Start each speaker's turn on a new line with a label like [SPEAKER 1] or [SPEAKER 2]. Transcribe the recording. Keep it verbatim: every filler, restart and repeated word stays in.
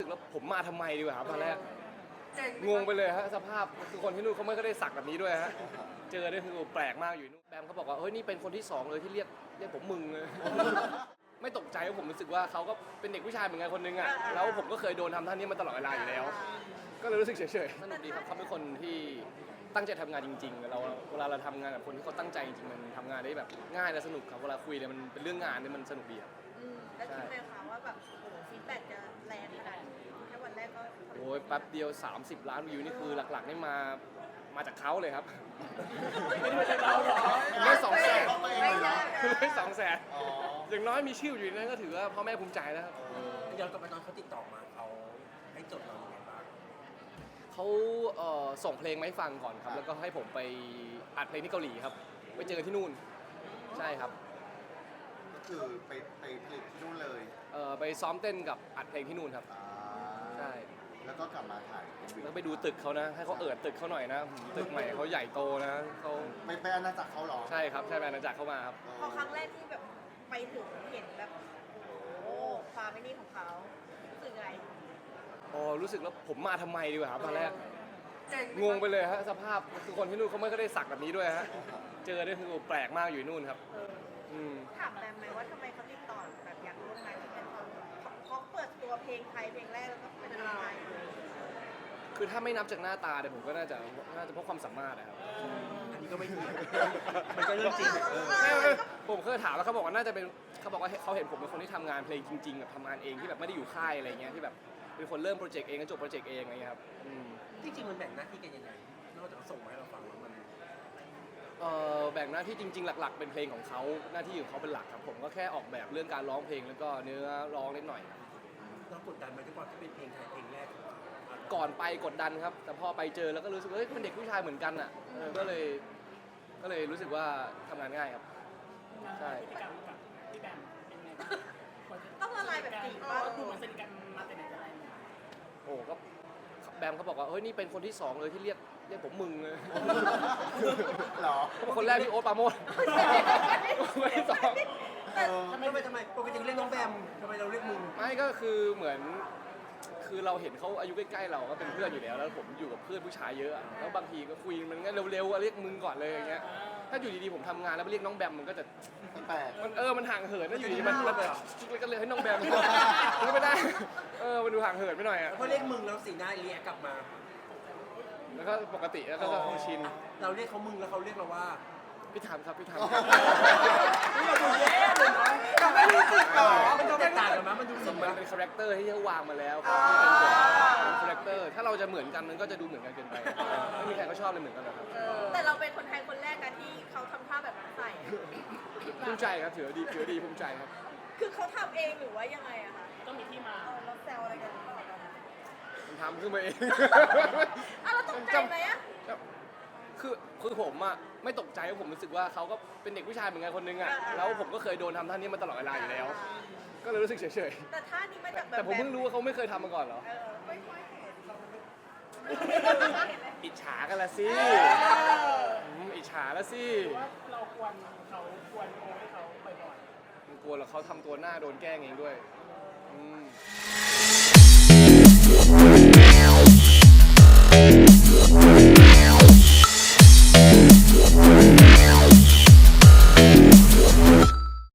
[SPEAKER 1] สึกแล้วผมมาทำไมดีกว่าครับตอนแรกงงไปเลยฮะสภาพคือคนที่นู่นเขาไม่ก็ได้สักแบบนี้ด้วยฮะเจอได้คือแปลกมากอยู่นู่นแบมเขาบอกว่าเฮ้ยนี่เป็นคนที่สองเลยที่เรียกเรียกผมมึงเลยไม่ตกใจว่าผมรู้สึกว่าเขาก็เป็นเด็กผู้ชายเหมือนกันคนนึงอ่ะแล้วผมก็เคยโดนทำท่านี้มาตลอดเวลาอยู่แล้วก็เลยรู้สึกเฉยๆสนุกดีครับเขาเป็นคนที่ตั้งใจทำงานจริงๆเราเวลาเราทำงานกับคนที่เขาตั้งใจจริงๆมันทำงานได้แบบง่ายและสนุกครับเวลาคุยเนี่ยมันเป็นเรื่องงานเนี่ยมันสนุกดีครับ
[SPEAKER 2] แล้วคิดไหมคะว่าแบบโอ้โหฟีดแบ็กจะแรงขนาดนี้แค่วันแรกก็
[SPEAKER 1] โอ้ยแป๊บเดียวสามสิบล้านวิวนี่คือหลักๆนี่มามาจากเขาเลยครับไม่ใช่เราหรอไม่สองแสนไม่สองแสนอย่างน้อยมีชื่ออยู่ในนั้นก็ถือว่าพ่อแม่ภูมิใจแล้วครับ
[SPEAKER 3] ย้อนกลับไปตอนเขาติดต่อมาเขาให้จดเราอย่างไรบ้าง
[SPEAKER 1] เขาเอ่อส่งเพลงมาให้ฟังก่อนครับแล้วก็ให้ผมไปอัดเพลงที่เกาหลีครับไปเจอกันที่นู่นใช่ครับ
[SPEAKER 4] ก็คือไปไปผลิตที่นู่นเลย
[SPEAKER 1] เอ่อไปซ้อมเต้นกับอัดเพลงที่นู่นครับใช่
[SPEAKER 4] แล้วก็กลับมาถ่ายเอ็มวี
[SPEAKER 1] แล้วไปดูตึกเขานะให้เขาเอิดตึกเขาหน่อยนะตึกใหม่เขาใหญ่โตนะเขา
[SPEAKER 4] ไม่ไปอาณาจักรเขาหรอ
[SPEAKER 1] ใช่ครับใช่ไปอาณาจักรเข้ามาครับ
[SPEAKER 2] พอครั้งแรกที่แบบไปถึงเห็นแบบโอ้ความไม่นี่ของเขารู้สึกไง
[SPEAKER 1] อ๋อรู้สึกแล้วผมมาทำไมดีกว่าครับตอนแรกงงไปเลยฮะสภาพคือคนที่นู่นเขาไม่ก็ได้สักแบบนี้ด้วยฮะเจอได้คือแปลกมากอยู่นู่นครับ
[SPEAKER 2] ถามแบมไหมว่าทำไมเขาติดต่อแบบอยากร่วมงานที่เป็นความเขาเปิดตัวเพลงไทยเพลงแรกแล้วก็เป็นอะไร
[SPEAKER 1] คือถ้าไม่นับจากหน้าตาเนี่ยผมก็น่าจะน่าจะเพราะความสามารถนะครับ
[SPEAKER 3] อันนี้ก็ไม่ถูกมันก็เรื่องจริง
[SPEAKER 1] ผมเคยถามแล้วเขาบอกว่าน่าจะเป็นเขาบอกว่าเขาเห็นผมเป็นคนที่ทำงานเพลงจริงๆแบบทำงานเองที่แบบไม่ได้อยู่ค่ายอะไรเงี้ยที่แบบเป็นคนเริ่มโปรเจกต์เองก็จบโปรเจกต์เองอะไรเงี้ยครับ
[SPEAKER 3] จริงๆมันแบ่งหน้าที่กันยังไงนอกจากเขาส่งมาให้เราฟังแล้วมัน
[SPEAKER 1] เอ่อแบ่งหน้าที่จริงๆหลักๆเป็นเพลงของเขาหน้าที่ของเขาเป็นหลักครับผมก็แค่ออกแบบเรื่องการร้องเพลงแล้วก็เนื้อร้องนิดหน่อย
[SPEAKER 3] เรากดดันไหมที่ว่าที่เป็นเพลงไทยเพลงแรก
[SPEAKER 1] ก่อนไปกดดันครับแต่พอไปเจอแล้วก็รู้สึกว่าเฮ้ยเป็นเด็กผู้ชายเหมือนกันอ่ะก็เลยก็เลยรู้สึกว่าทำงานง่ายครับใช่
[SPEAKER 5] พฤติกรรมกับพี่แบมเป็นไงบ้าง
[SPEAKER 2] ต้องละลายแบบจริงป่ะ
[SPEAKER 5] ดูมันสนิทกันมาแต่ไหนแต่ไร
[SPEAKER 1] โอ้ก็แบมเขาบอกว่าเฮ้ยนี่เป็นคนที่สองเลยที่เรียกเรียกผมมึงเลย
[SPEAKER 4] หรอ
[SPEAKER 1] คนแรกพี่โอ๊ตปราโมชคนที่สอง
[SPEAKER 3] ทำไมทำไมปกติเรียกน้องแบมทำไมเราเรียกมึง
[SPEAKER 1] ไม่ก็คือเหมือนคือเราเห็นเขาอายุใกล้ๆเราก็เป็นเพื่อนอยู่แล้วแล้วผมอยู่กับเพื่อนผู้ชายเยอะแล้วบางทีก็คุยมันก็เร็วๆเรียกมึงก่อนเลยอย่างเงี้ยถ้าอยู่ดีๆผมทำงานแล้วไปเรียกน้องแบมมันก็จะ
[SPEAKER 4] แปลก
[SPEAKER 1] มันเออมันห่างเหินถ้าอยู่ดีมันมันก็เลยให้น้องแบมมันไม่ได้เออมันดูห่างเหินไปหน่อยอ่ะ
[SPEAKER 3] พอเรียกมึงแล้วสีหน้าเรียกกลับมา
[SPEAKER 1] แล้วก็ปกติแล้วก็คงชิน
[SPEAKER 3] เราเรียกเขามึงแล้วเขาเรียกเราว่า
[SPEAKER 1] พี่ถามครับพี่ถาม
[SPEAKER 3] นี่เราดูแย่เลยนะไม่รู้สึกหรอมันก็แตกต่างกันมั้ยมันดูสึก
[SPEAKER 1] มันเป็นคาแรคเตอร์ที่เขาวางมาแล้วเป็นคาแรคเตอร์ถ้าเราจะเหมือนกันมันก็จะดูเหมือนกันเกินไปไม่มีใครเขาชอบเลยเหมือนกันหรอกครับ
[SPEAKER 2] แต่เราเป็นคนไทยคนแรกนะที่เขาทำท่าแบบนั้นใส่
[SPEAKER 1] ภูมิใจครับถือดีถือดีภูมิใจครับ
[SPEAKER 2] คือเขาทำเองหรือว่ายังไงอะคะ
[SPEAKER 5] ต้องมีที่มา
[SPEAKER 2] เราแซวอะไรกัน
[SPEAKER 1] มันทำขึ้นมาเอง
[SPEAKER 2] อ่ะเราตกใจไหมอะ
[SPEAKER 1] คือคือผมอะไม่ตกใจว่าผมรู้สึกว่าเขาก็เป็นเด็กผู้ชายเหมือนกันคนนึงอะแล้วผมก็เคยโดนทำท่านี้มาตลอดเวลาอยู่แล้วก็เลยรู้สึกเฉย
[SPEAKER 2] ๆแต่ท่านี้มาจากแบบ
[SPEAKER 1] แต่ผมเพิ่งรู้ว่าเขาไม่เคยทำมาก่อนเหรอ
[SPEAKER 2] ไม่ค่อยเห็น
[SPEAKER 1] อิจฉากันละสิอิจฉาละสิ
[SPEAKER 5] ว่าเราควรเขาควรโอ้ให้เขาบ่อย
[SPEAKER 1] ๆมันกลัวแล้วเขาทำตัวหน้าโดนแกล้งเองด้วยอืม